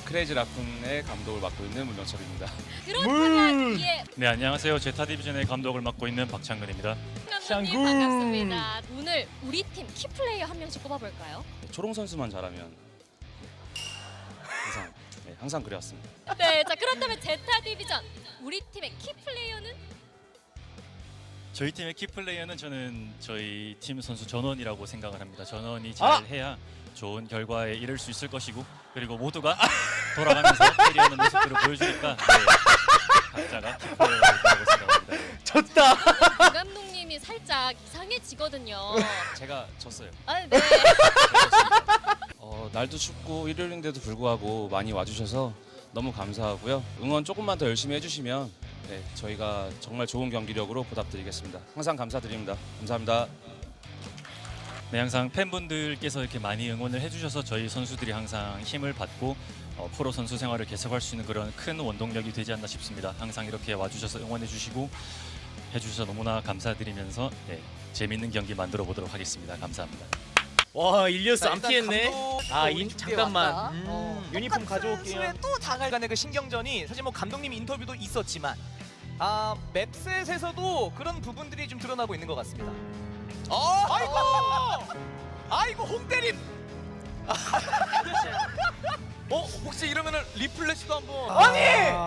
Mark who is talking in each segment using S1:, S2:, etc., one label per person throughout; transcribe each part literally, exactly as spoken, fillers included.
S1: 크레이지 라쿤의 감독을 맡고 있는 문영철입니다.
S2: 그렇다면 예,
S3: 네, 안녕하세요. 제타 디비전의 감독을 맡고 있는 박창근입니다.
S2: 감독님
S4: 샹군.
S2: 반갑습니다. 오늘 우리 팀 키플레이어 한 명씩 꼽아볼까요?
S1: 초롱 선수만 잘하면 항상 네, 항상 그래왔습니다.
S2: 네, 자 그렇다면 제타 디비전 우리 팀의 키플레이어는?
S3: 저희 팀의 키플레이어는 저는 저희 팀 선수 전원이라고 생각을 합니다. 전원이
S4: 아!
S3: 잘해야 좋은 결과에 이를 수 있을 것이고, 그리고 모두가 돌아가면서 캐리하는 모습들을 보여주니까 네, 각자가 키플레이어라고 생각합니다. 네.
S4: 졌다.
S2: 박 감독님이 살짝 이상해지거든요.
S1: 제가 졌어요.
S2: 아, 네.
S1: 어, 날도 춥고 일요일인데도 불구하고 많이 와주셔서 너무 감사하고요. 응원 조금만 더 열심히 해주시면 네, 저희가 정말 좋은 경기력으로 보답드리겠습니다. 항상 감사드립니다. 감사합니다.
S3: 네, 항상 팬분들께서 이렇게 많이 응원을 해주셔서 저희 선수들이 항상 힘을 받고 어, 프로 선수 생활을 계속할 수 있는 그런 큰 원동력이 되지 않나 싶습니다. 항상 이렇게 와주셔서 응원해주시고 해주셔서 너무나 감사드리면서 네, 재밌는 경기 만들어 보도록 하겠습니다. 감사합니다.
S4: 와 일리어스
S5: 자,
S4: 안
S5: 일단
S4: 피했네.
S5: 감독
S4: 아
S5: 또
S4: 인,
S5: 우리 준비해
S4: 잠깐만.
S5: 왔다.
S4: 음,
S5: 어.
S4: 유니폼
S5: 똑같은
S4: 가져올게요.
S5: 수에 또 장알간의 그 신경전이 사실 뭐 감독님 인터뷰도 있었지만 아 맵셋에서도 그런 부분들이 좀 드러나고 있는 것 같습니다. 어, 아이고, 아이고 홍대림. 어 혹시 이러면은 리플래시도 한번
S4: 아니!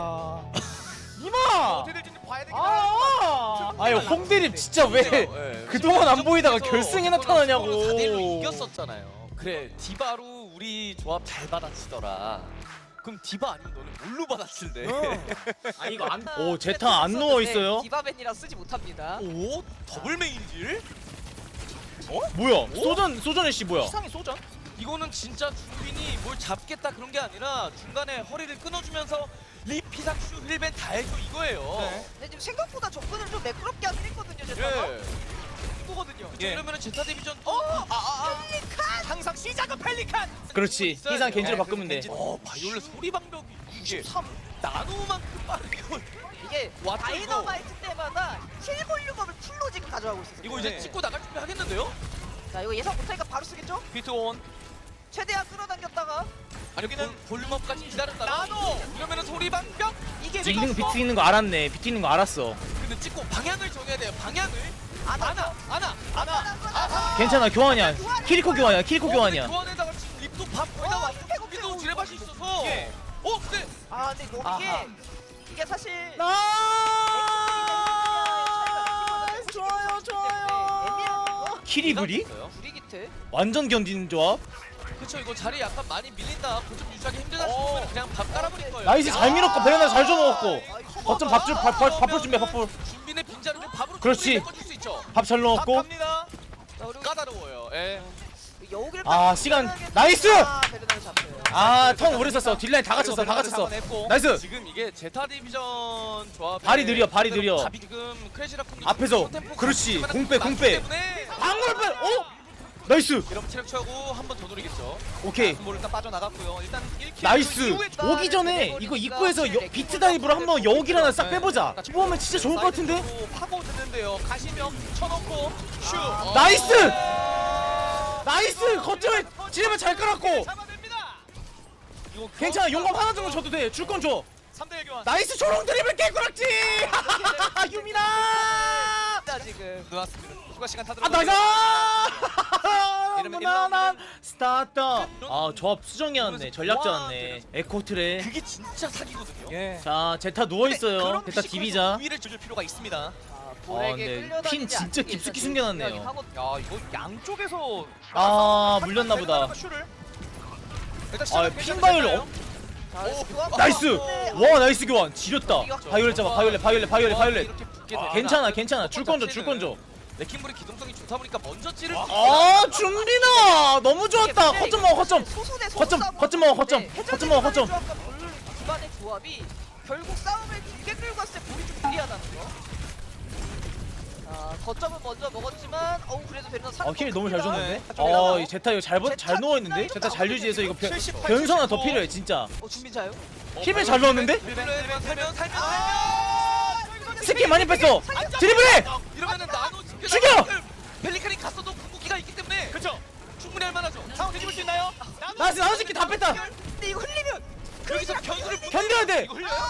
S4: 이마.
S5: 어떻게 될지 봐야 되긴
S4: 아, 아유 홍대립 진짜 왜
S5: 네.
S4: 그동안 안 보이다가 결승에 나타나냐고.
S5: 사 대 일로 이겼었잖아요. 그래 디바로 우리 조합 잘 받아치더라. 그럼 디바 아니면 너는 뭘로 받아칠래?
S4: 아 이거 안. 오 제타 안 누워 있어요.
S6: 디바벤이라 쓰지 못합니다.
S5: 오 더블 메인질?
S4: 뭐야? 소전 소전의 씨 뭐야?
S5: 이상의 소전? 이거는 진짜 준빈이 뭘 잡겠다 그런 게 아니라 중간에 허리를 끊어주면서 리피삭슈 힐벤 다 해줘 이거예요.
S6: 근데 지금 생각보다 접근을 좀 매끄럽게 하긴 했거든요, 제가.
S5: 예.
S6: 이거거든요.
S5: 예. 이러면은 제타 디비전 또 아, 아, 아. 펠리칸! 항상 시작은 펠리칸!
S4: 그렇지.
S5: 있어야
S4: 희상
S5: 돼요.
S4: 겐지로
S5: 네,
S4: 바꾸면 돼.
S5: 겐지. 어 바이올렛 소리 방벽이 구십삼 나노만큼 빠르게
S6: 이게
S5: 왔죠,
S6: 다이너마이트 때마다 킬 볼륨업을 풀로 지금 가져가고 있어요.
S5: 이거 이제
S6: 네.
S5: 찍고 나갈 준비 하겠는데요?
S6: 자, 이거 예상 못하니까 바로 쓰겠죠?
S5: 비트 온
S6: 최대한 끌어당겼다가
S5: 아니 여기는 볼륨업까지 기다렸다 나노! 이러면은 소리 방벽! 이게
S4: 찍는 거
S5: 들어갔어?
S4: 비트 있는 거 알았네. 비트 있는 거 알았어.
S5: 근데 찍고 방향을 정해야 돼요 방향을
S6: 안
S5: 아나! 아나! 아나! 아나!
S4: 괜찮아 교환이야. 키리코 교환이야. 키리코 교환이야.
S5: 교환에다가 지금 립도 밥 거의 다
S6: 어,
S5: 왔고
S6: 태국
S5: 립도
S6: 태국
S5: 지뢰밭이 있어서
S4: 예.
S5: 어 근데
S6: 아, 근데 이거 이게
S4: 아하.
S6: 이게 사실
S4: 나 좋아요 좋아요. 키리브리?
S6: 브리기트
S4: 완전 견디는 조합.
S5: 그쵸 이거 자리 약간 많이 밀린다 고점 유지하기 힘들다 싶으면 그냥 밥 깔아버릴 거예요
S4: 나이스 잘 밀었고 베레나 잘 줘먹었고.
S6: 아,
S4: 거점 밥줄 밥, 밥, 밥풀 준비해 밥풀.
S5: 준비는 빈자리를 밥으로
S4: 그렇지.
S5: 충분히 메꿔줄 수 있죠
S4: 밥 잘
S5: 밥
S4: 넣었고.
S5: 갑니다
S6: 자, 그리고
S5: 까다로워요 예.
S6: 여우길
S4: 아, 시간. 나이스!
S6: 아, 베르나를 잡혀요.
S4: 아 턴 오래 썼어. 딜라인 다 갇혔어 다 갇혔어. 나이스.
S5: 지금 이게 제타 디비전 조합
S4: 발이 느려, 발이 느려.
S5: 지금 크래시라쿤
S4: 앞에서. 그렇지. 공빼, 공빼. 방울 빼. 어? 나이스.
S5: 이러면 체력 채우고 한 번 더 노리겠죠
S4: 오케이.
S5: 볼 일단 빠져나갔고요 일단 일 킬
S4: 나이스.
S5: 이후에
S4: 오기 전에 이거 입구에서 여, 비트 다이브로 한번 여우길 하나 싹 빼보자. 뽑으면 진짜 좋을 것 같은데.
S5: 사이드로 파고 드는데요 가시명 쳐놓고 슈 어.
S4: 나이스! 나이스. 거점에 지뢰만 잘 깔았고.
S5: 잡아냅니다 이거
S4: 괜찮아. 용감 하나 정도 줘도 돼. 줄 건 줘.
S5: 삼 대 일 교환
S4: 나이스 초롱 드리블 깨꾸락지. 유미나.
S6: 자, 지금
S5: 들어왔습니다 추가 시간 다
S4: 아
S5: 들어갔어요
S4: 나이스.
S5: 이러면
S4: 무난한
S5: 일
S4: 스타트. 아 조합 수정이었네. 전략자였네. 에코트레.
S5: 그게 진짜 사기거든요 예.
S4: 자 제타 누워 있어요. 제타 디비자.
S5: 위를 줄일 필요가 있습니다
S6: 자,
S4: 아,
S6: 볼에게
S4: 근데
S6: 끌려다니지
S4: 핀 진짜
S6: 않기
S4: 깊숙이
S6: 위해서
S4: 숨겨놨네요.
S6: 중요하긴 하거든요.
S5: 야 이거 양쪽에서
S4: 아 물렸나 보다.
S5: 슈를 일단
S4: 아
S5: 시작은
S4: 핀바이올 어?
S6: 자,
S5: 오,
S6: 교환
S4: 나이스.
S6: 받았는데,
S4: 와 나이스 교환. 지렸다. 바이올렛 잡아. 바이올렛 바이올렛 바이올렛 바이올렛.
S5: 이렇게 붙게
S4: 아,
S5: 되면
S4: 괜찮아 괜찮아. 줄 건 줘 줄 건 줘.
S5: 레킹볼의 기동성이 좋다 보니까 먼저 찌를 수
S4: 아 준비나 너무 좋았다.
S6: 이게
S4: 거점 먹어 거점.
S6: 소수대 소수
S4: 거점,
S6: 싸움을
S4: 거점 먹어,
S6: 하고
S4: 거점.
S6: 있는데
S4: 거점 먹어, 거점.
S6: 해적의 조합과 볼 기반의 조합이 결국 싸움을 길게 끌고 갔을 때 볼이 좀 유리하다는 거. 자, 거점은 먼저 먹었지만 어우 그래도 베르나 사.
S4: 아 킬 너무 잘 줬는데.
S6: 네.
S4: 아 이 제타 이거 잘, 번-
S6: 제타
S4: 잘 누워 있는데.
S6: 뒷라인으로
S4: 제타 잘 유지해서 이거 변,
S5: 칠십팔,
S4: 변수 하나 더
S5: 칠십오.
S4: 필요해 진짜.
S6: 어 준비자요?
S4: 힐을 잘 넣었는데?
S5: 살면 살면 살면 살면
S4: 스킬 많이 뺐어. 드리블해.
S5: 이러면은 나노 집게
S4: 죽여!
S5: 펠리칸이 갔어도 궁극기가 있기 때문에 그렇죠 충분히 할 만하죠 상황 뒤집을 수 있나요?
S4: 나이스 나노 새끼 다 뺐다.
S6: 근데 이거 흘리면
S5: 여기서 견수를 못
S4: 견뎌야 돼.
S5: 이거 흘려요?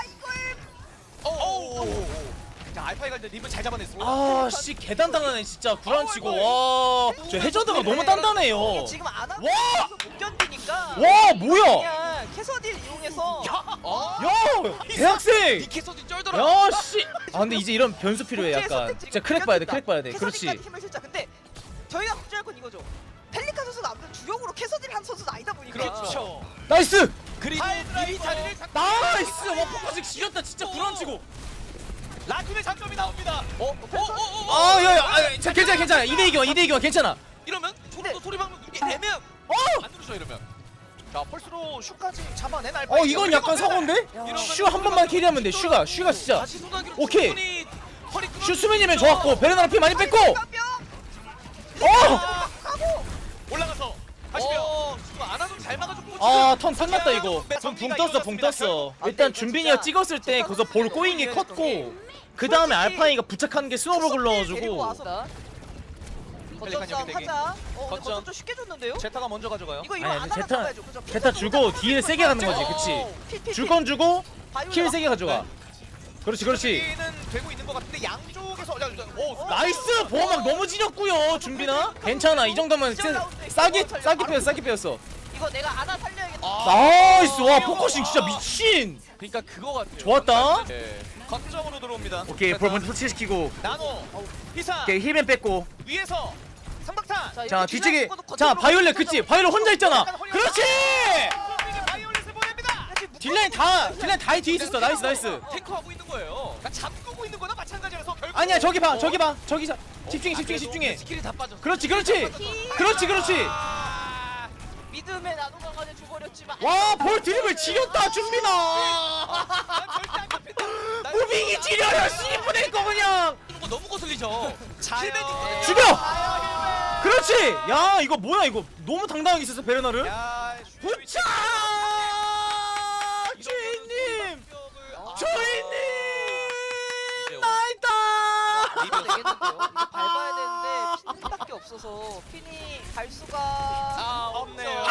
S5: 오. 자 알파이 갈때 립을 잘 잡아냈습니다.
S4: 아씨 개단단하네 진짜 구란치고. 와저 해저드가 너무 단단해요.
S6: 이게 지금 안 하고
S4: 와!
S6: 못 견디니까
S4: 와 뭐야?
S6: 그냥 캐서딜 이용해서
S5: 어?
S4: 야 대학생.
S5: 이 캐서디 쩔더라.
S4: 야씨. 아 근데 이제 이런 변수 필요해 약간. 진짜 크랙 봐야 돼 크랙 봐야 돼. 그렇지.
S6: 캐서딜까지 힘을 실자. 근데 저희가 걱정할 건 이거죠. 펠리카 선수가 아무래도 주력으로 캐서딜 한 선수는 아니다 보니까
S5: 그렇죠.
S4: 나이스.
S5: 그리고 미리 자리를 잡.
S4: 나이스. 와 포커싱 지렸다 진짜 구란치고.
S5: 라쿤의 장점이 나옵니다. 어? 어? 어? 어?
S4: 아 야야 아, 자, 괜찮아 괜찮아 이 대 이기만 이 대 이기만 괜찮아.
S5: 이러면 소리도 소리 방금 이게 애매한.
S4: 어!
S5: 안 누르죠 이러면. 자 펄스로 슈까지 잡아낸 알파.
S4: 어 이건 약간 사고인데? 슈 한 번만 캐리하면 돼 슈가 슈가 진짜.
S5: 다시 소나기로
S4: 오케이.
S5: 충분히 허리 끊어-
S4: 슈 수면이면 좋았고 베르나랑 피 많이 뺐고. 어!
S5: 올라가서 하시면. 어, 지금 안 하면 잘 막아줬고.
S4: 아턴 끝났다 이거. 붕, 붕 떴어 붕 떴어. 일단 준빈이가 찍었을 때 거기서 볼 꼬인 게 컸고 그 다음에 알파이가 부착한 게 스노볼
S6: 데리고
S4: 굴러가지고.
S6: 와서 거점 싸움
S5: 여기
S6: 하자. 어 근데
S5: 거점.
S6: 거점 좀 쉽게 줬는데요?
S5: 제타가 먼저 가져가요.
S6: 이거 이거
S4: 아니,
S6: 안
S4: 제타-
S6: 하나 잡아야죠. 그죠?
S4: 제타 주고 딜 세게 가는 거지 그치. 줄 건 주고 킬 세게 가져가. 그렇지 그렇지.
S5: 여기는 되고 있는 것 같은데 양쪽에서 야, 야, 오,
S4: 나이스 보호막 너무 지렸고요 준빈아. 괜찮아 이 정도면 세- 싸게 싸게 빼었어 싸게 빼었어.
S6: 이거 내가 하나 살려야겠다.
S4: 나이스 와 포커싱 진짜 미친.
S5: 그러니까 그거 같아요.
S4: 좋았다.
S5: 네. 거점으로 들어옵니다.
S4: 오케이 볼 먼저 터치시키고.
S5: 나노 희사
S4: 오케이 힐맨 뺐고.
S5: 위에서 상박탄.
S6: 자,
S4: 자
S6: 이거
S4: 뒤쪽에
S6: 뒷라인
S4: 자
S6: 거점으로
S4: 바이올렛
S6: 거점으로
S4: 그치 바이올렛 혼자 있잖아. 그렇지.
S5: 바이올렛을 보냅니다.
S4: 딜라인 다 딜라인 다 뒤에 있었어. 나이스 나이스.
S5: 탱커하고 있는 거예요. 그러니까 잠그고 있는 거나 마찬가지라서 결국.
S4: 아니야 저기 봐
S5: 어?
S4: 저기 봐 저기 자 집중해
S5: 아,
S4: 집중해
S5: 그래도
S4: 집중해.
S5: 스킬이 다 빠졌어.
S4: 그렇지 그렇지 그렇지 그렇지.
S5: 아,
S6: 믿음의 나노가 간에 줘버렸지만
S4: 와 볼 드립을 지렸다 준빈아.
S5: 난 절대 안 잡힌다. 난
S4: 무빙이
S5: 진짜
S4: 지려요 씨부낼 거 그냥.
S5: 이거 너무 거슬리죠.
S6: 자요.
S5: 힐맨 있거든요.
S4: 죽여!
S5: 자요,
S4: 그렇지. 야 이거 뭐야 이거 너무 당당하게 있었어 베르나르.
S5: 힐맨. 야,
S4: 부차 주인님 주인님 나이다.
S6: 이거 되겠는데요? 이거 밟아야 되는데 핀밖에 없어서 핀이 갈 수가
S5: 아, 없네요.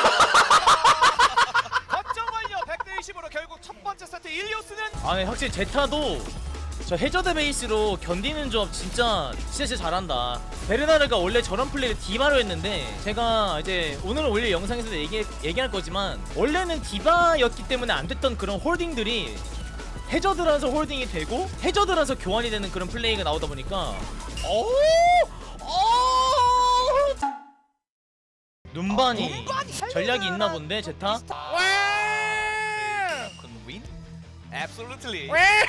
S5: 거점 완료 백 대 이십으로 결국 첫 번째 세트 일리오스는
S4: 아니 확실히 제타도 저 해저드 베이스로 견디는 조합 진짜 진짜 진짜 잘한다. 베르나르가 원래 저런 플레이를 디바로 했는데 제가 이제 오늘 올릴 영상에서도 얘기, 얘기할 거지만 원래는 디바였기 때문에 안 됐던 그런 홀딩들이 해저드라서 홀딩이 되고 해저드라서 교환이 되는 그런 플레이가 나오다 보니까 오! 오! 눈반이 전략이 있나 본데 제타?
S5: 윈? Absolutely.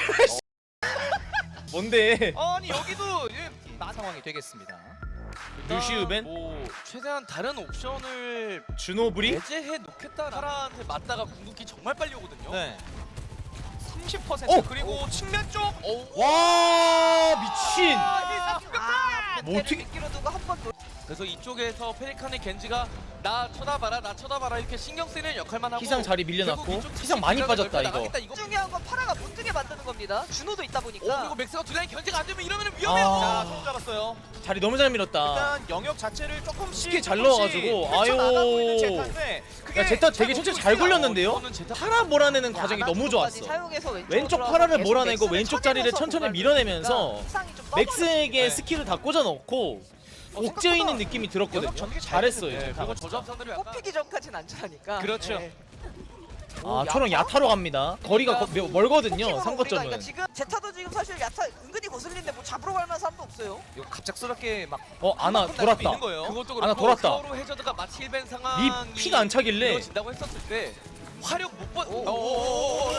S4: 뭔데?
S5: 아니 여기도 예, 나 상황이 되겠습니다.
S4: 루시우벤?
S7: 뭐 최대한 다른 옵션을
S4: 준호브리?
S7: 배제해 놓겠다. 파라한테 맞다가 궁극기 정말 빨리 오거든요.
S5: 네. 삼십 퍼센트
S4: 어!
S5: 그리고 측면 쪽. 오.
S4: 와 미친!
S6: 아,
S4: 뭐 어떻게-
S6: 미끼로 두고 한번
S7: 그래서 이쪽에서 페리칸의 겐지가 나 쳐다봐라, 나 쳐다봐라 이렇게 신경 쓰이는 역할만 하고
S4: 희상 자리
S7: 결국
S4: 밀려났고
S7: 이쪽
S4: 희상 많이
S7: 지금
S4: 빠졌다
S7: 넓혀
S4: 이거.
S7: 나가겠다, 이거.
S6: 중요한 건 파라가 못 뜨게 만드는 겁니다. 준호도 있다
S7: 오
S6: 보니까
S7: 그리고 맥스가 두 라인 견제가 안 되면 이러면 위험해요.
S4: 아.
S5: 자, 손 잡았어요.
S4: 자리 너무 잘 밀었다.
S5: 일단 영역 자체를 조금씩
S4: 쉽게 잘
S5: 조금씩
S4: 넣어가지고,
S5: 펼쳐나가고 있는
S4: 아유.
S5: 제타인데 그게
S4: 야 제타 되게
S5: 잘
S4: 천천히
S5: 먹고
S4: 잘
S5: 있어요.
S4: 굴렸는데요?
S7: 이거는 제타
S4: 파라 몰아내는
S6: 야,
S4: 과정이 너무
S6: 아나토까지
S4: 좋았어.
S6: 사용해서 왼쪽으로
S4: 왼쪽
S6: 들어가서
S4: 파라를
S6: 계속
S4: 몰아내고
S6: 맥스를
S4: 왼쪽 자리를
S6: 쳐내면서
S4: 천천히
S6: 공간을
S4: 밀어내면서
S6: 보니까 희상이 좀
S4: 맥스에게
S5: 네.
S4: 스킬을 다 꽂아 넣고 옥죄어 있는 느낌이 들었거든요.
S5: 영역 전개 잘
S4: 잘했어요.
S5: 됐는데,
S4: 제타가
S7: 그리고
S4: 진짜.
S7: 저점선들을 약간
S6: 뽑히기 전까지는 안전하니까
S5: 그렇죠.
S6: 네.
S4: 아 초롱 야타로 갑니다. 거리가 거, 며- 멀거든요.
S6: 포킹으로
S4: 삼
S6: 우리가
S4: 거점은.
S6: 그러니까 지금 제타도 지금 사실 야타 은근히 거슬리는데 뭐 잡으러 갈 만한 사람도 없어요.
S5: 이거 갑작스럽게 막
S4: 어 아나
S5: 한번
S4: 돌았다.
S5: 있는 거예요.
S7: 그것도
S4: 하나
S7: 그렇고
S4: 돌았다.
S7: 서로 해저드가 마치 힐벤 상황이
S4: 니 피가 안 차길래
S7: 이루어진다고 했었을 때 화력 못 번.
S6: 오.
S7: 오.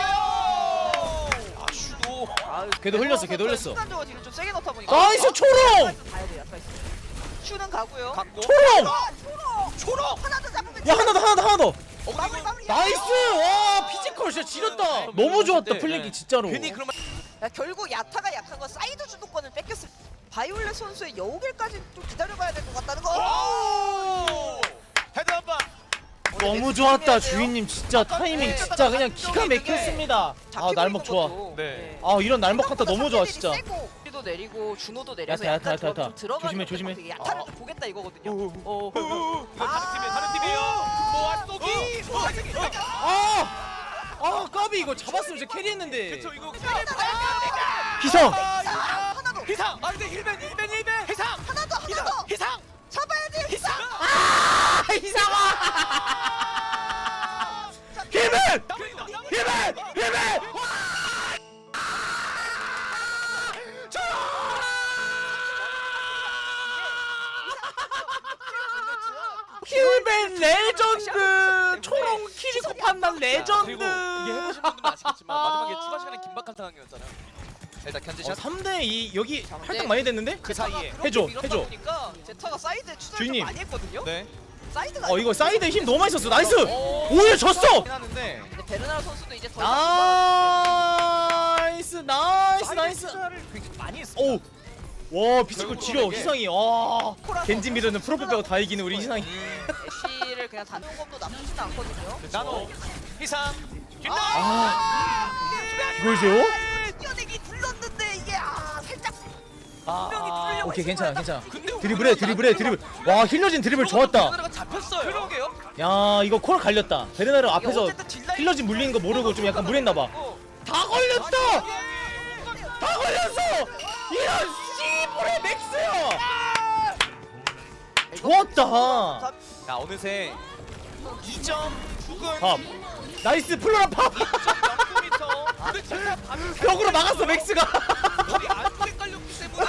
S5: 아 슈도
S6: 아,
S4: 걔도 흘렸어, 걔도 흘렸어.
S6: 순간적으로 뒤를 좀 세게 넣다 보니까
S4: 나이스 초롱!
S6: 가야 돼, 야타 있어. 슈는 가고요.
S5: 갖고
S4: 초롱!
S6: 아, 초록! 초록! 하나 더 잡으면
S4: 야 하나 더 하나 더 하나 더.
S7: 어,
S6: 마무리 마무리.
S4: 나이스! 와 피지컬 진짜 지렸다. 너무 좋았다
S7: 네,
S4: 플랭킹
S7: 네.
S4: 진짜로.
S7: 괜히 그러면
S6: 야, 결국 야타가 약한 건 사이드 주도권을 뺏겼을 바이올렛 선수의 여우길까지 좀 기다려봐야 될 것 같다는 거.
S5: 오! 헤드 한 방.
S4: 너무 좋았다 주인님 진짜 타이밍 진짜 그냥 기가 막혔습니다. 아 날먹 좋아.
S5: 네.
S4: 아 이런 날먹 한타 너무 좋아 진짜.
S6: 도 내리고 준호도 내려서
S4: 야타,
S6: 약간
S4: 야타,
S6: 조합이
S4: 야타.
S6: 좀 들어가는
S4: 조심해,
S6: 것
S4: 조심해.
S6: 같아요. 야타를 좀 보겠다 이거거든요. 어.
S5: 이거 다른 팀이에요. 다른 팀이에요. 모아쏘기. 모아쏘기.
S4: 아! 아 까비 이거 잡았으면 진짜 캐리했는데.
S5: 그쵸 이거
S4: 희성.
S6: 하나 더.
S5: 희상. 아 근데 힐벤 힐벤 힐벤. 희상.
S6: 하나 더. 하나
S5: 희상.
S6: 더.
S5: 희상.
S6: 잡아야지.
S5: 희상.
S4: 아 희성아. 힘을. 힘을. 힘을. 힐벤 레전드. 초롱 키리코 판단 레전드.
S7: 그리고 이게 해보신 분들은 아시겠지만 마지막에 추가 시간에 긴박한 상황이었잖아요. 일단 견제샷.
S4: 삼 대 이 여기
S6: 자, 근데
S4: 할당 많이 됐는데?
S5: 그 사이에.
S4: 해줘,
S6: 밀었다
S4: 해줘.
S6: 보니까 제타가 사이드 추적을 좀
S4: 주인님.
S6: 많이 했거든요.
S5: 네.
S6: 사이드가
S4: 어 이거 사이드에 힘 너무 많이 썼어. 나이스.
S5: 오.
S4: 오히려 졌어.
S5: 하긴 하는데
S6: 근데 베르나르 선수도 이제 더 이상
S4: 나이스 나이스
S5: 사이드
S4: 나이스.
S5: 투자를 굉장히 많이 했습니다.
S4: 오. 와 비스코
S5: 결국
S4: 지려
S5: 이게-
S4: 희상이. 와.
S6: 코라서
S4: 겐지 미드는 프로필 빼고 다 이기는 우리 희상이.
S6: 애쉬를 그냥 다놓은 것도 나쁘진 않거든요.
S5: 나노 희상.
S4: 아.
S6: 이게
S4: 이걸 세요?
S6: 뛰어내기 불렀는데 이게 아 살짝
S5: 아,
S6: 분명히 뚫려고
S4: 오케이 괜찮아 괜찮아.
S5: 근데
S4: 드리블해 드리블해 드리블. 와 힐러진 드리블 좋았다.
S7: 베르나르가 잡혔어요.
S5: 그러게요.
S4: 야 이거 콜 갈렸다. 베르나르 앞에서
S6: 어쨌든 딜라인
S4: 힐러진 물리는 거 모르고 좀 약간 무리했나봐. 다 걸렸어. 다 걸렸어. 이런 씨부레 맥스야. 좋았다.
S5: 자 어느새 이 점 구근
S4: 밥. 나이스 플로라 팝.
S5: 점 영 미터. 근데 진짜
S4: 벽으로 막았어 맥스가.
S5: 우리 안쪽에 깔렸기 때문에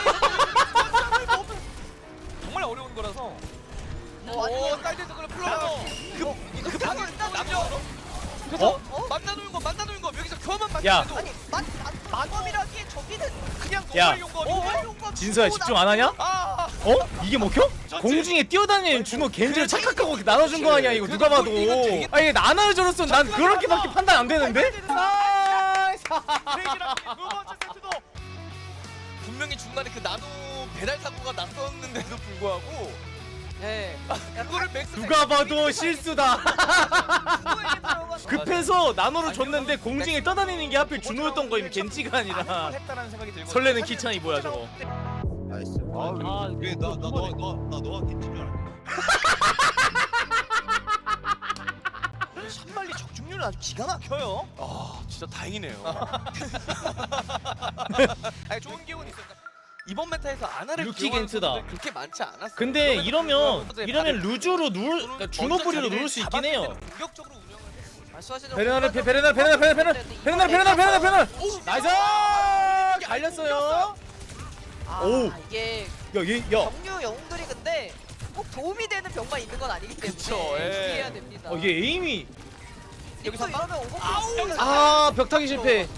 S5: 정말 어려운 거라서. 오 사이드에서 그래 플로어. 그 급하게 남녀. 그래서
S4: 어?
S5: 어? 만나놓은 거 만나놓은 거 여기서 교환만
S4: 야.
S5: 만나도
S6: 아니 만만검이라기에 저기는
S5: 그냥
S4: 야.
S5: 노말 용검이.
S6: 노말 용검
S4: 진서야
S6: 주고
S4: 집중 안 하냐?
S5: 아.
S4: 어? 이게 먹혀? 공중에 뛰어다니는 준호 겐지를 착각하고 나눠준 거 아니야 이거 누가 봐도. 아니 나눠줘로서 난 그렇게밖에 판단 안 되는데? 나이스.
S5: 세기랑 두 번째 세트도
S7: 분명히 중간에 그 나노 배달 사고가 났었는데도 불구하고
S6: 예.
S7: 그거를 맥스
S4: 누가 봐도 실수다.
S6: 준호에게 들어가서
S4: 급해서 나노를 줬는데 공중에 떠다니는 게 하필 준호였던 거임 겐지가 아니라.
S5: 했다라는 생각이 들고
S4: 설레는 키찬이 뭐야 저거.
S8: 나이스. 아, 왜나나너나 너가 겐지인 줄 알았네.
S5: 샷말리 적중률은 아주 기가 막혀요.
S7: 아 진짜 다행이네요.
S5: 아니 좋은 기운이 있었다.
S7: 이번 메타에서 아나를
S4: 루키
S7: 기용하는
S4: 겐트다.
S7: 선수들 그렇게 많지 않았어요.
S4: 근데 이러면
S7: 선수의
S4: 이러면
S7: 발을
S4: 루즈로 누를 그러니까 준호 뿌리로 누를 수 있긴 해요.
S5: 공격적으로 운영을
S6: 말씀하시는
S4: 베르나르 베- 베르나르 베르나르 베르나르 베르나르 베르나르 베르나르 베르나르 나이스 갈렸어요.
S6: 아,
S4: 오.
S6: 이게
S4: 야얘야
S6: 경류 영웅들이 근데 꼭 도움이 되는 병만 있는 건 아니기 때문에
S7: 그쵸, 예.
S6: 주의해야 됩니다.
S4: 어, 얘 에임이
S6: 여기서 이러면 오버
S4: 아 벽타기 실패.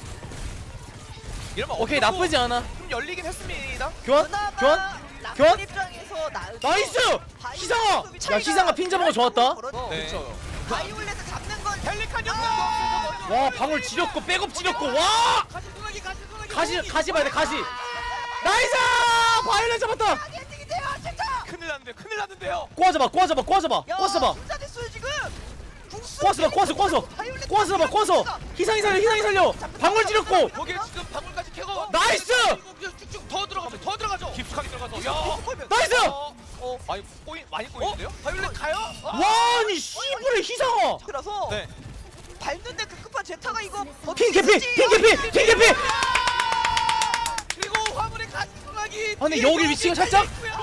S5: 이러면
S4: 오케이
S5: 어쩌고
S4: 나쁘지 않아.
S5: 좀 열리긴 했습니다.
S4: 교환
S6: 그나마
S4: 교환
S6: 라플
S4: 교환?
S6: 입장에서 나
S4: 나이스 희상아. 야 희상아 핀 잡은 거 좋았다.
S5: 네.
S7: 그렇죠.
S6: 바이올렛을 잡는 건
S5: 펠리칸 형.
S4: 와 방울 지렸고 백업 지렸고 와
S5: 가시 소나기 가시 소나기.
S4: 가시 가시 봐야 돼 가시. 나이스 바이올렛 잡았다.
S6: 엔딩이 돼요 진짜.
S5: 큰일 났는데 큰일 났는데요.
S4: 꼬아잡아 꼬아잡아 꼬아잡아 꼬아잡아
S6: 진짜 됐어요 지금.
S4: 꼬아잡아 꼬아서 꼬아서 꼬아서 봐 꼬아서 희상이 살려 희상이 살려 방울 지렸고
S5: 거기에 지금 방울까지 캐고.
S4: 나이스.
S5: 이거 그냥 쭉쭉 더 들어가죠. 더 들어가죠. 깊숙하게 들어가서. 야.
S4: 나이스.
S5: 어, 어, 많이 꼬인 많이 꼬이는데요? 바이올렛 가요?
S4: 와 아니 씨부레 희상아.
S6: 그래서
S5: 네.
S6: 밟는데 급급한 제타가 이거
S4: 핑 개피 핑 개피 핑 개피.
S5: 그리고 화물의 가시 소나기.
S4: 아 근데 여기 위치가 살짝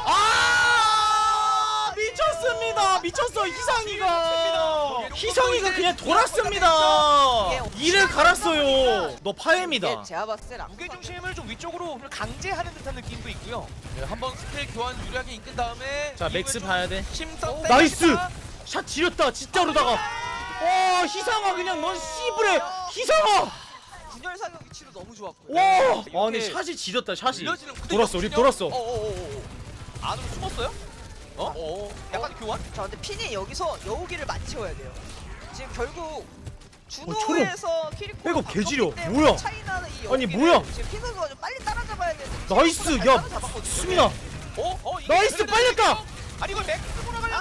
S4: 아 미쳤습니다 미쳤어 희상이가 희상이가 그냥 돌았습니다. 이를 갈았어요. 너 파엠이다.
S6: 이게 제가 봤을 땐
S5: 무게 중심을 좀 위쪽으로 강제하는 듯한 느낌도 있고요.
S7: 네, 한번 스킬 교환 유리하게 이끈 다음에
S4: 자 맥스
S7: 이후에
S4: 봐야 돼.
S7: 심성
S4: 나이스 샷 지렸다 진짜로다가. 와 희상아 그냥 넌 씨부레 희상아.
S6: 분열 사격 위치도 너무 좋았고요.
S4: 와 아니 샷이 지렸다 샷이.
S7: 밀려지는 근데
S4: 돌았어 우리
S7: 역시요?
S4: 돌았어.
S5: 어어어어. 안으로 숨었어요? 어? 어. 약간 교환?
S6: 자 근데 핀이 여기서 여우기를 많이 채워야 돼요. 지금 결국
S4: 초록.
S6: 준호에서 키리코
S4: 백업 개지려. 뭐야?
S6: 차이나는 이
S4: 아니,
S6: 여우기를
S4: 뭐야?
S6: 지금 핀 선수가 좀 빨리 따라잡아야 되는데
S4: 나이스
S6: 잘
S4: 야
S6: 따라잡았거든요.
S4: 수민아
S5: 어? 어? 이게
S4: 나이스
S5: 그래도
S4: 빨렸다.
S5: 아니 이걸 맥스 보러 가려다.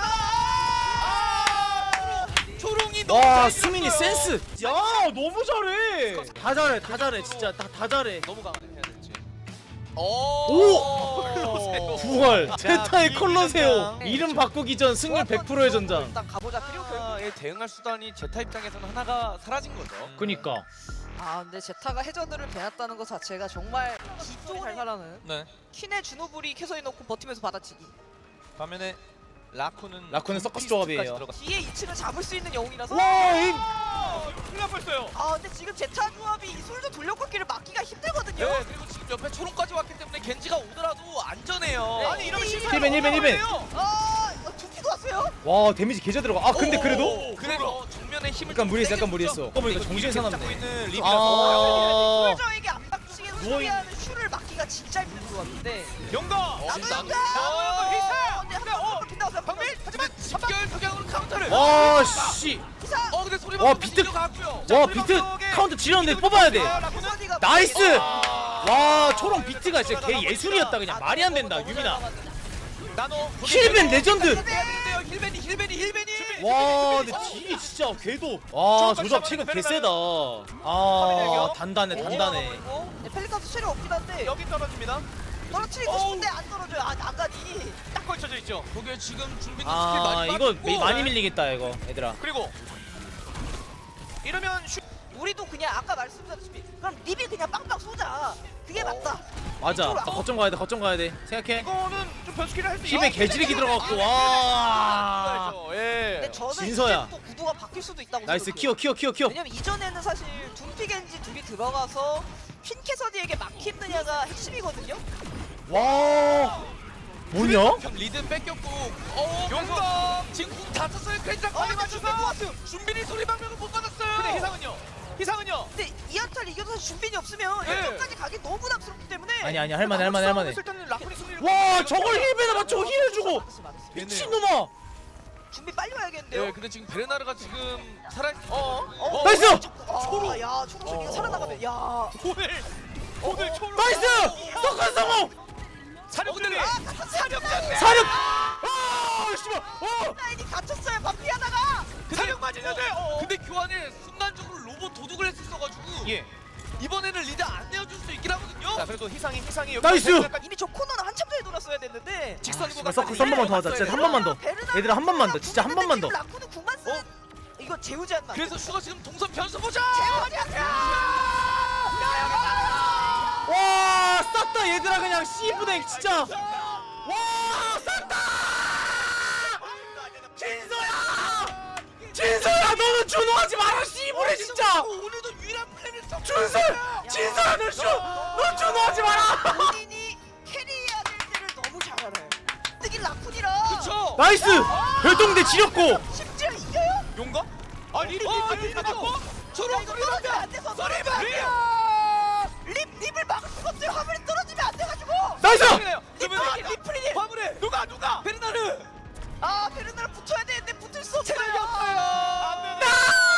S6: 아!
S5: 초롱이 너무
S4: 와
S5: 잘
S4: 수민이
S5: 밀었어요.
S4: 센스. 야 너무 잘해. 다 잘해 다 잘해 진짜 다 다 잘해.
S5: 너무 강하네 해야 될지.
S4: 오!
S5: 오!
S4: 부활
S5: 자,
S4: 테타의
S5: 비밀
S4: 콜로세오
S5: 전장.
S4: 이름 바꾸기 전 승률 백 퍼센트의 전장.
S6: 일단 가보자. 그리고 결국
S7: 제타에 대응할 수단이 제타 입장에서는 하나가 사라진 거죠.
S4: 그니까
S6: 아 근데 제타가 해저드를 배웠다는 것 자체가 정말 기쪽을 잘 살아는
S5: 네.
S6: 퀸의 주노블이 캐서이 넣고 버티면서 받아치기.
S5: 반면에 라쿠는
S4: 라쿠는 서커스
S5: 둠피스트까지
S4: 조합이에요.
S5: 들어가-
S6: 뒤에 이 층을 잡을 수 있는 영웅이라서.
S5: 아, 큰일 날 뻔했어요.
S6: 아 근데 지금 제타 조합이 이 솔저 돌려꺾기를 막기가 힘들거든요.
S7: 네, 그리고 지금 옆에 초롱까지 왔기 때문에 겐지가 오더라도 안전해요.
S6: 네.
S5: 아니 이러면 실패.
S4: 힐벤, 힐벤, 힐벤.
S6: 아 두피도 왔어요?
S4: 와 데미지 개잘 들어가. 아 근데
S7: 오,
S4: 그래도
S7: 그래서 정면에 힘을
S4: 약간
S7: 좀
S4: 무리했어
S7: 세게
S4: 약간 무리했어.
S7: 줬죠.
S4: 어 보니까
S5: 그리고
S4: 정신
S5: 이렇게 잡고
S4: 사납네.
S5: 있는 립이라서
S4: 아
S6: 솔저에게 압박식에 소비하는 슈를 막기가 진짜 힘든 조합인데.
S5: 영광.
S7: 어,
S6: 나도
S7: 나도-
S6: 영광!
S5: 어, 희사!
S6: 근데 한번 킨다고
S5: 박민 하지만
S7: 집결 석양으로 카운터를.
S4: 와 씨.
S6: 기사!
S7: 어 근데 소리
S4: 와,
S7: 방금
S4: 비트-
S7: 가고요.
S4: 와 비트 카운트 지렸는데 뽑아야 돼.
S6: 라쿠선이가
S4: 나이스.
S5: 아.
S4: 와 초롱 비트가 진짜 개 예술이었다 그냥 말이 안 된다 유민아.
S5: 나노
S4: 힐벤 레전드.
S7: 힐벤이에요. 힐벤이 힐벤이 힐벤이.
S4: 와 근데 딜이 진짜 궤도. 와 조잡 체급 개세다. 아 단단해 단단해.
S6: 네, 펠리카도 체력 없긴 한데
S5: 여기 떨어집니다.
S6: 떨어뜨리고
S5: 어우.
S6: 싶은데 안 떨어져요. 아 나가니.
S5: 딱 걸쳐져 있죠.
S7: 거기에 지금 준비는 스킬
S4: 아
S7: 많이
S4: 이거
S7: 빠졌고.
S4: 많이 밀리겠다 이거 얘들아.
S5: 그리고 이러면 슈
S6: 우리도 그냥 아까 말씀드렸다시피 그럼 립이 그냥 빵빵 쏘자. 그게 맞다.
S4: 맞아.
S6: 이쪽으로
S4: 나 거점 가야 돼 거점 가야 돼. 생각해.
S5: 이거는 좀 변수기를 할수
S4: 힘에 개지르기 들어갔고 와.
S5: 예.
S6: 근데 저는
S4: 진서야.
S6: 이제부터 구도가 바뀔 수도 있다고
S4: 나이스
S6: 생각해요.
S4: 키워 키워 키워 키워.
S6: 왜냐면 이전에는 사실 둠피 겐지 둘이 들어가서 퀸캐서디에게 막히느냐가 핵심이거든요.
S4: 와. 뭐냐?
S7: 형 리드 뺏겼고. 어
S5: 용감.
S7: 지금 궁다 쳤어요. 겐지랑
S6: 아,
S7: 거리 맞춰서.
S6: 맞췄어요.
S7: 준비니 소리 방면을 못 받았어요.
S5: 근데 희상은요? 희상은요?
S6: 근데 이 한타를 이겨도 사실 준비이 없으면
S5: 네.
S6: 역전까지 가기 너무 부담스럽기 때문에
S4: 아니 아니 할만해 할만해 할만해.
S5: 일단은 라쿠니 승리를
S4: 와 저걸 힐베나 맞추고 힐을 주고
S6: 맞았어, 맞았어.
S4: 미친놈아.
S6: 준비 빨리 와야겠는데요.
S7: 네, 근데 지금 베르나르가 지금 살아.
S5: 어?
S6: 어,
S4: 나이스!
S6: 초로. 야 초로 저기가 살아나가면 야.
S5: 오늘 오늘 초로
S4: 나이스! 석관 성공!
S5: 사력
S7: 근데-
S5: 준비.
S6: 아 사령.
S4: 사력! 아 씨발! 어!
S6: 라인이 갇혔어요. 반피하다가.
S5: 사력 맞으는데. 어.
S7: 근데 교환에 순간적으로 로봇 도둑을 했었어가지고
S5: 예.
S7: 이번에는 리드 안 내어줄 수 있긴 하거든요.
S5: 자 그래도 희상이 희상이 여기
S4: 나이스!
S6: 이미 저 코너는 한참 전에 돌았어야 됐는데.
S7: 직선이고
S4: 씨발 서커스 한 번만 더 하자 진짜 한 번만 더. 얘들아 한 번만 더 진짜 한 번만 더.
S6: 라쿠는 구만 쓰. 이거 재우지 않나?
S7: 그래서 슈가 지금 동선 변수 보자.
S4: 와 쌌다 얘들아 그냥 씨부댕 진짜. 와 쌌다! 진서야! 진서야 너는 준호하지 마라 씨부레 진짜!
S7: 오늘도 유일한 플랜을 좀
S4: 준서! 진서야 너 준! 너 준호하지 마라!
S6: 본인이 캐리해야 될 때를 너무 잘 알아요. 특히 라쿤이라.
S7: 그쵸.
S4: 나이스! 별동대 지렸고!
S6: 심지어 이겨요?
S5: 용감? 아 립이
S7: 어,
S5: 립이 잡았고.
S6: 초록 립 떨어지면 안 돼서.
S5: 소리
S6: 립 립 립을 막을 수가 없어요. 화물이 떨어지면 안 돼가지고.
S4: 나이스!
S6: 리프리디 리프리디.
S5: 화물에 누가 누가?
S7: 베르나르.
S6: 아 베르나르 붙어야 되는데 붙을 수 없어요.
S5: 체력이 없어요. 안 되네.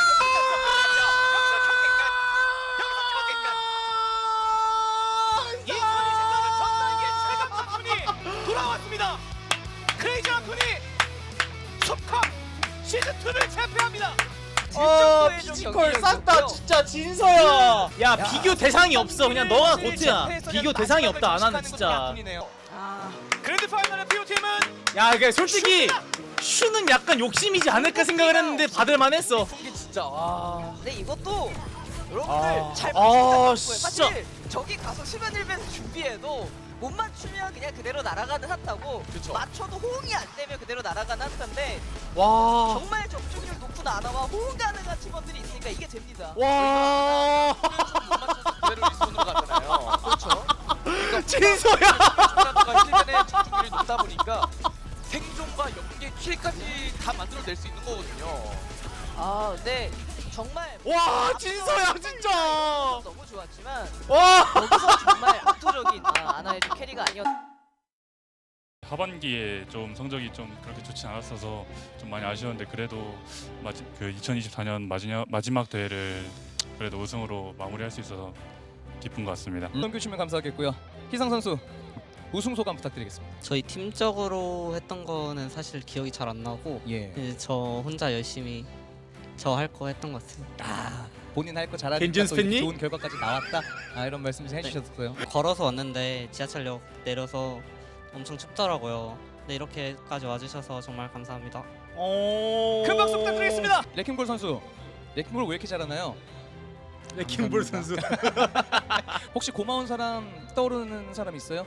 S5: 여기서 경기 끝. 여기서 경기 끝. 이 소리 생각은 전단기의 최강 라쿤이 돌아왔습니다. 크레이지 라쿤이 컵컵 시즌 이를 제패합니다.
S4: 어 피지컬 쌌다 진짜 진서야. 야 비교 대상이 없어 그냥 너가 고트야. 비교 대상이 없다 안 하는 진짜.
S6: 아
S5: 그랜드 파이널의 피오팀은
S4: 야 이게 솔직히 슈는 약간 욕심이지 않을까 생각을 했는데 받을만 했어.
S7: 이게 진짜 와.
S6: 근데 이것도 여러분들
S4: 아,
S6: 잘
S4: 아,
S6: 보시면 거예요.
S4: 진짜.
S6: 사실 저기 가서 수면 일변 준비해도 못 맞추면 그냥 그대로 날아가는 핫하고
S7: 그쵸.
S6: 맞춰도 호응이 안 되면 그대로 날아가는 핫한데
S4: 와.
S6: 정말 적중률 높은 아나와 호응 가능한 팀원들이 있으니까 이게 됩니다.
S4: 와.
S7: 못 맞춰서 그대로 리스폰으로 가잖아요. 그렇죠.
S4: 진서야.
S7: 초라가 힐벤의 집중률이 높다 보니까 생존과 연계 킬까지 다 만들어낼 수 있는 거거든요.
S6: 아 근데 정말
S4: 와 진서야 진짜.
S6: 너무 좋았지만
S4: 와.
S6: 여기서 정말 압도적인 아, 아나의 좀 캐리가 아니었.
S3: 하반기에 좀 성적이 좀 그렇게 좋지 않았어서 좀 많이 아쉬웠는데 그래도 마지, 그 이천이십사 년 마지막, 마지막 대회를 그래도 우승으로 마무리할 수 있어서 기쁜 것 같습니다.
S5: 넘겨주시면 감사하겠고요. 희상 선수 우승 소감 부탁드리겠습니다.
S9: 저희 팀적으로 했던 거는 사실 기억이 잘 안 나고
S5: 예.
S9: 이제 저 혼자 열심히 저 할 거 했던 것 같습니다.
S5: 아 본인 할 거 잘하니까
S4: 겐진
S5: 또
S4: 스팬님?
S5: 좋은 결과까지 나왔다. 아 이런 말씀 좀 해주셨어요.
S9: 걸어서 왔는데 지하철역 내려서 엄청 춥더라고요. 근데 이렇게까지 와주셔서 정말 감사합니다.
S4: 오.
S5: 큰 박수 부탁드리겠습니다. 레킹볼 선수. 레킹볼 왜 이렇게 잘하나요?
S4: 레킹볼 선수.
S5: 혹시 고마운 사람 떠오르는 사람 있어요?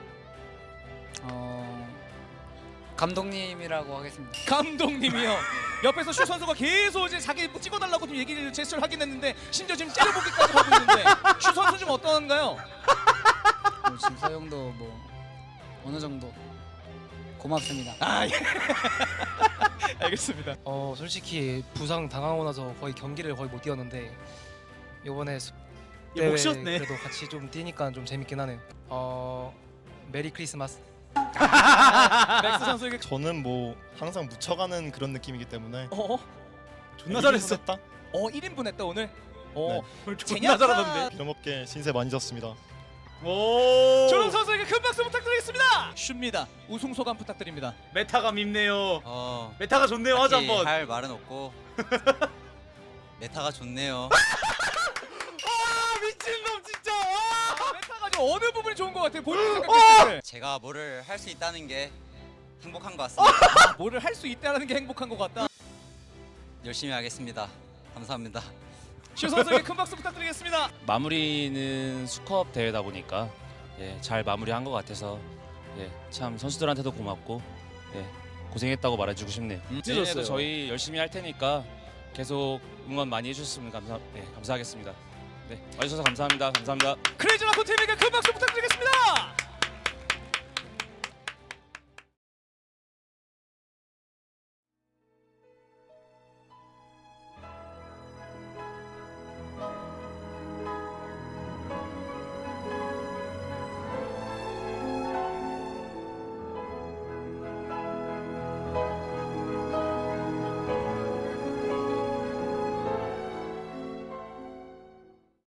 S9: 어 감독님이라고 하겠습니다.
S5: 감독님이요. 옆에서 슈 선수가 계속 이제 자기 뭐 찍어달라고 좀 얘기를 제스처를 하긴 했는데 심지어 지금 째려보기까지 하고 있는데 슈 선수 좀 어떤가요?
S9: 뭐 진서형도 뭐 어느 정도 고맙습니다.
S5: 아 예. 알겠습니다.
S10: 어 솔직히 부상 당하고 나서 거의 경기를 거의 못 뛰었는데 이번에 수-
S4: 예,
S10: 대회
S4: 목 쉬었네.
S10: 그래도 같이 좀 뛰니까 좀 재밌긴 하네요. 어 메리 크리스마스.
S5: 맥스 선수에게
S8: 저는 뭐 항상 묻혀가는 그런 느낌이기 때문에
S5: 어?
S4: 존나 잘했어.
S8: 했다.
S5: 어 일 인분 했다 오늘. 어
S4: 존나
S5: 제냐타
S4: 잘하던데.
S8: 빌어먹게 신세 많이 졌습니다.
S4: 오.
S5: 조롱 선수에게 큰 박수 부탁드리겠습니다. 슈입니다. 우승 소감 부탁드립니다.
S4: 메타가 밉네요.
S11: 어,
S4: 메타가 좋네요. 하자
S11: 딱히
S4: 한번.
S11: 할 말은 없고 메타가 좋네요.
S4: 아 미친놈 진짜. 아!
S5: 메타가 지금 어느 부분이 좋은 것 같아요? 본인 생각했을 때.
S11: 제가 뭐를 할 수 있다는 게 행복한 것 같습니다.
S5: 아, 뭐를 할 수 있다는 게 행복한 것 같다.
S11: 열심히 하겠습니다. 감사합니다.
S5: 슈 선수에게 큰 박수 부탁드리겠습니다.
S1: 마무리는 수컵 대회다 보니까 예, 잘 마무리한 것 같아서 예, 참 선수들한테도 고맙고 예, 고생했다고 말해주고 싶네요. 내년에도
S5: 찢었어요.
S1: 저희 열심히 할 테니까 계속 응원 많이 해주셨으면 감사, 예, 감사하겠습니다. 네, 와주셔서 감사합니다. 감사합니다.
S5: 크레이지 라코 팀에게 큰 박수 부탁드리겠습니다.